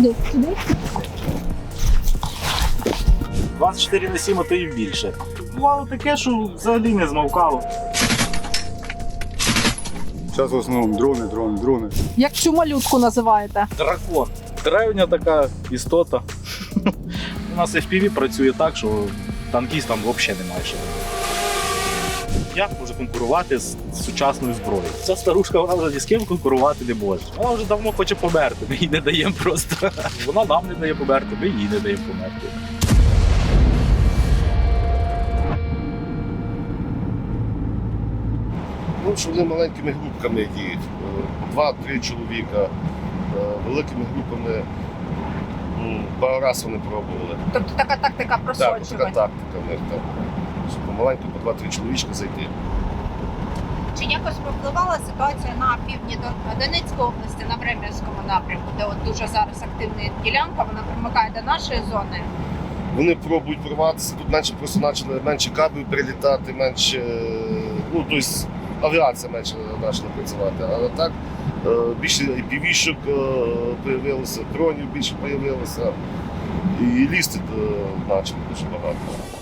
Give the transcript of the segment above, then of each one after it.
Сюди? 24/7, а то і більше. Бувало таке, що взагалі не змовкало. Зараз в основному дрони. Як цю малютку називаєте? Дракон. Древня така істота. У нас FPV працює так, що танкістам взагалі немає що. Як може конкурувати з сучасною зброєю? Ця старушка, вона вже ні з ким конкурувати не може. Вона вже давно хоче померти, ми їй не даємо просто. Вона нам не дає померти, ми їй не даємо померти. Ну, що вони маленькими групками діють. 2-3 чоловіка. Великими групами пару разів вони пробували. Тобто така тактика Так, просочування. така тактика в них там. Щоб помаленьку по 2-3 чоловічка зайти. Чи якось повпливала ситуація на півдні Донецької області, на Врем'янському напрямку, де от дуже зараз активна ділянка, вона примикає до нашої зони? Вони пробують прорватися, тут просто почали менше кабів прилітати, менше, ну, тобто авіація менше почала працювати. А так більше IPV-шок з'явилося, дронів більше з'явилося. І лізти почали дуже багато.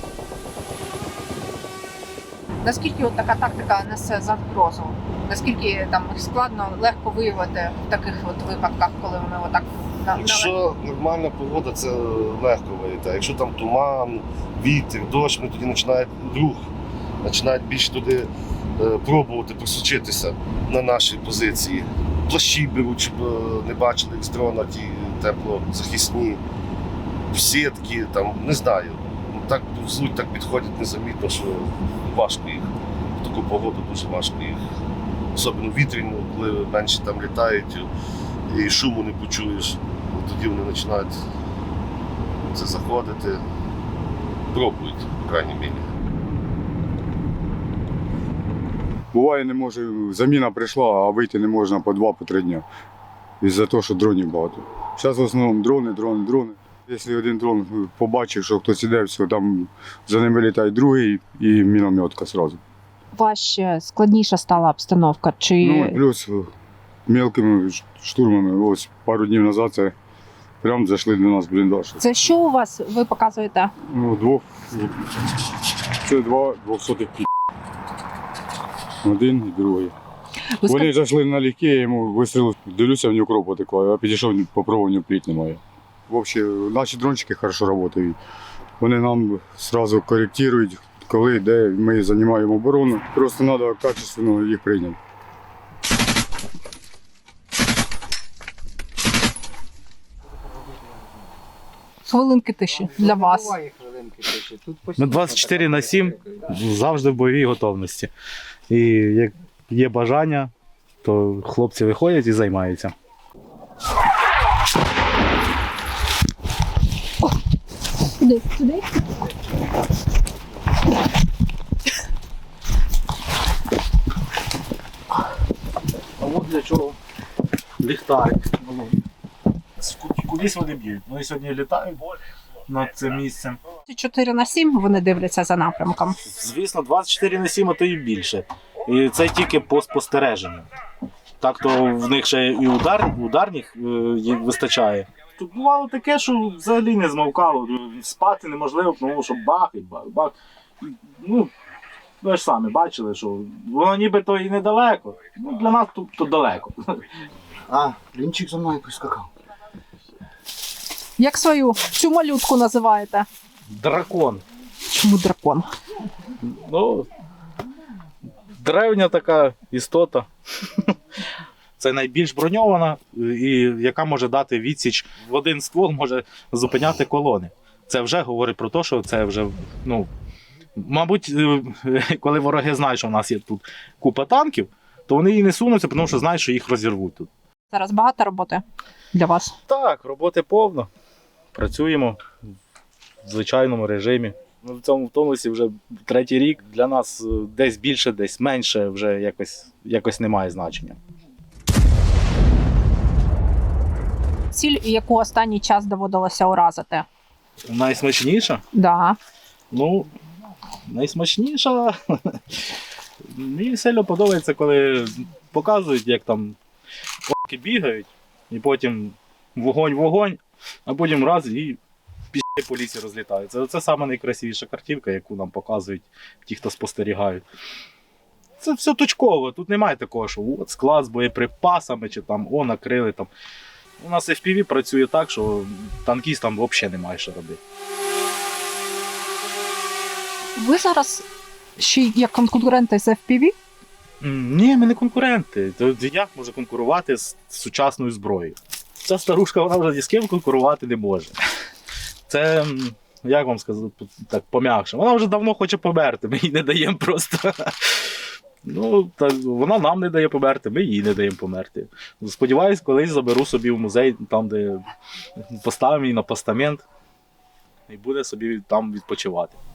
Наскільки от така тактика несе загрозу? Наскільки там складно, легко виявити в таких от випадках, коли вони отак Якщо нормальна погода, це легко виявити. А якщо там туман, вітер, дощ, вони тоді починають рух, починають більше туди пробувати просочитися на наші позиції. Плащі беруть, щоб не бачили як з дрона ті теплозахисні, сітки, там, не знаю. Так повзуть, так підходять незамітно, що важко їх. В таку погоду дуже важко їх. Особливо вітряну, коли менше там літають і шуму не почуєш. Тоді вони починають це заходити, пробують, в крайній мірі. Буває, не може, заміна прийшла, а вийти не можна по 2-3 дні. Із-за того, що дронів багато. Зараз в основному дрони. Якщо один дрон побачив, що хтось іде, все, там за ним вилітає другий і мінометка одразу. Важче, складніша стала обстановка? Чи... Ну, плюс мелкими штурмами, ось пару днів назад це прямо зайшли до нас в бліндаж. Це що у вас, ви показуєте? Ну, це 200-х пі. Один і другий. Вони зайшли на ліки, я йому вистрілив, дивлюся, в нього кров потекла, я підійшов, попробував, в нього пліт немає. Взагалі, наші дрончики добре працюють. Вони нам одразу коректують, коли, де ми займаємо оборону. Просто треба качественно їх прийняти. Хвилинки тиші для вас. Ми 24/7 завжди в бойовій готовності. І як є бажання, то хлопці виходять і займаються. Сюди? А от для чого ліхтарик. Кудись вони б'ють. Вони сьогодні літають над цим місцем. 4/7 вони дивляться за напрямком. Звісно, 24/7, а то і більше. І це тільки по спостереженню. Так то в них ще і ударних вистачає. Тут бувало таке, що взагалі не змовкало. Спати неможливо, тому що бах і бах. Ну, ви ж самі бачили, що воно нібито і недалеко. Ну, для нас тут далеко. А, лінчик за мною прискакав. Як цю малютку називаєте? Дракон. Чому дракон? Ну, древня така істота. Це найбільш броньована, і яка може дати відсіч. В один ствол може зупиняти колони. Це вже говорить про те, що це вже, ну, мабуть, коли вороги знають, що в нас є тут купа танків, то вони і не сунуться, тому що знають, що їх розірвуть тут. Зараз багато роботи для вас? Так, роботи повно. Працюємо в звичайному режимі. Ми в цьому тонусі вже 3-й рік. Для нас десь більше, десь менше, вже якось немає значення. Ціль, яку останній час доводилося уразити? Найсмачніша? Да. Ну, найсмачніша. Мені сильно подобається, коли показують, як там п***ки бігають, і потім вогонь, а потім раз і пішки по лісі розлітаються. Це саме найкрасивіша картинка, яку нам показують ті, хто спостерігають. Це все точково, тут немає такого, що от склад з боєприпасами, чи там накрили там. У нас FPV працює так, що танкістам взагалі немає що робити. Ви зараз ще й як конкуренти з FPV? Ні, ми не конкуренти. Як може конкурувати з сучасною зброєю? Ця старушка, вона вже ні з ким конкурувати не може. Це, як вам сказати, так пом'якше. Вона вже давно хоче померти, ми їй не даємо просто. Ну, так, вона нам не дає померти, ми їй не даємо померти. Сподіваюсь, колись заберу собі в музей, там, де поставимо її на постамент, і буде собі там відпочивати.